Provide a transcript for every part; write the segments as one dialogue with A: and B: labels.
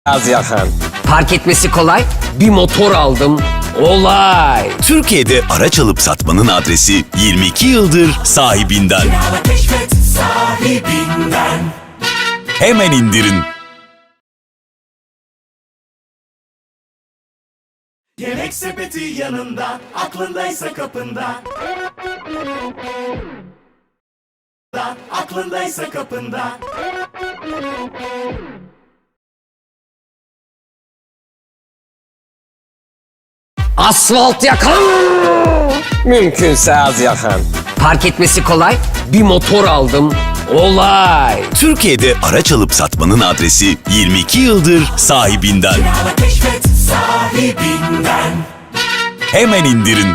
A: Az yakın.
B: Park etmesi kolay. Bir motor aldım. Olay.
C: Türkiye'de araç alıp satmanın adresi 22 yıldır sahibinden.
D: Kirala keşfet sahibinden.
C: Hemen indirin.
D: Yemek sepeti yanında, aklındaysa kapında. Aklındaysa kapında.
A: Asfalt yakın. Mümkünse az yakın.
B: Park etmesi kolay. Bir motor aldım. Olay.
C: Türkiye'de araç alıp satmanın adresi 22 yıldır sahibinden.
D: Kirala keşfet sahibinden.
C: Hemen indirin.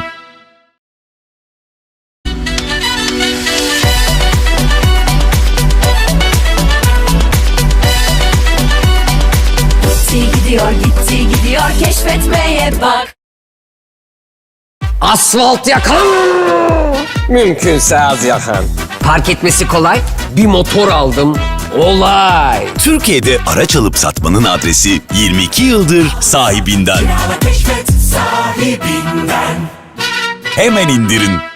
E: Gitti gidiyor keşfetmeye bak.
A: Asfalt yakın. Mümkünse az yakın.
B: Park etmesi kolay. Bir motor aldım. Olay.
C: Türkiye'de araç alıp satmanın adresi 22 yıldır sahibinden.
D: Kirala keşfet sahibinden.
C: Hemen indirin.